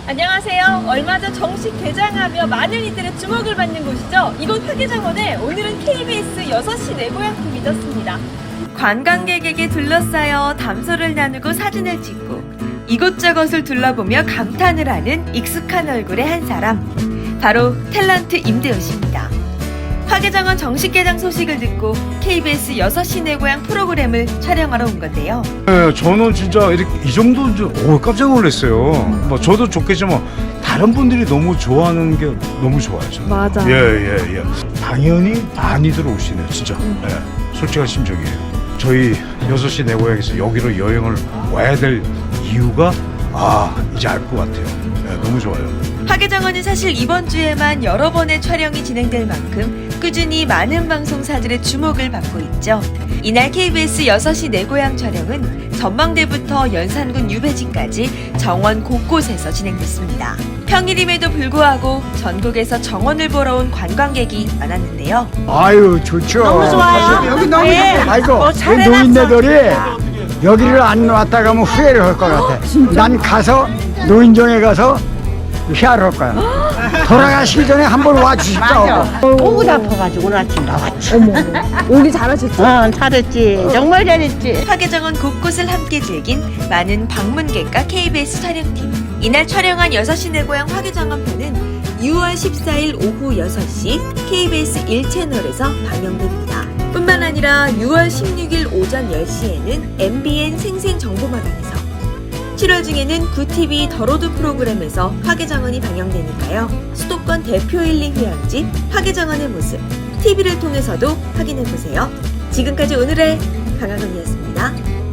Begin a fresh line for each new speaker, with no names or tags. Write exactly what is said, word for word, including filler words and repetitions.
안녕하세요. 얼마 전 정식 개장하며 많은 이들의 주목을 받는 곳이죠. 이곳 화개정원에 오늘은 케이비에스 여섯 시 내 고향 팀이 떴습니다. 관광객에게 둘러싸여 담소를 나누고 사진을 찍고 이곳저곳을 둘러보며 감탄을 하는 익숙한 얼굴의 한 사람, 바로 탤런트 임대호 씨입니다. 화개정원 정식 개장 소식을 듣고 케이비에스 여섯 시 내 고향 프로그램을 촬영하러 온 건데요.
네, 저는 진짜 이렇게 이 정도인 줄 오, 깜짝 놀랐어요. 뭐 저도 좋겠지만 다른 분들이 너무 좋아하는 게 너무 좋아요. 저는.
맞아.
예, 예, 예. 당연히 많이들 오시네요, 진짜. 예, 솔직한 심정이에요. 저희 여섯 시 내 고향에서 여기로 여행을 와야 될 이유가 아 이제 알 것 같아요. 예, 너무 좋아요.
화개정원은 사실 이번 주에만 여러 번의 촬영이 진행될 만큼 꾸준히 많은 방송사들의 주목을 받고 있죠. 이날 케이비에스 여섯 시 내 고향 촬영은 전망대부터 연산군 유배지까지 정원 곳곳에서 진행됐습니다. 평일임에도 불구하고 전국에서 정원을 보러 온 관광객이 많았는데요.
아유 좋죠.
너무 좋아요.
여기 너무
네.
좋고. 아이고
어,
이
잘해놨어.
노인네들이 여기를 안 왔다 가면 후회를 할 것 같아. 난 가서 노인정에 가서 휴하를 할 거야. 돌아가시기 전에 한번 와주십사오.
목이 아파가지고 오늘 아침 나왔지.
오기 잘하셨죠?
어, 잘했지. 정말 잘했지.
화개정원 곳곳을 함께 즐긴 많은 방문객과 케이비에스 촬영팀. 이날 촬영한 여섯 시 내 고향 화개정원 편은 유월 십사일 오후 여섯 시 케이비에스 일 채널에서 방영됩니다. 뿐만 아니라 유월 십육일 오전 열 시에는 엠비엔 생생정보마당에서, 칠월 중에는 구티비 더로드 프로그램에서 화개정원이 방영되니까요. 수도권 대표 힐링 휴양지 화개정원의 모습 티비를 통해서도 확인해보세요. 지금까지 오늘의 강하건이었습니다.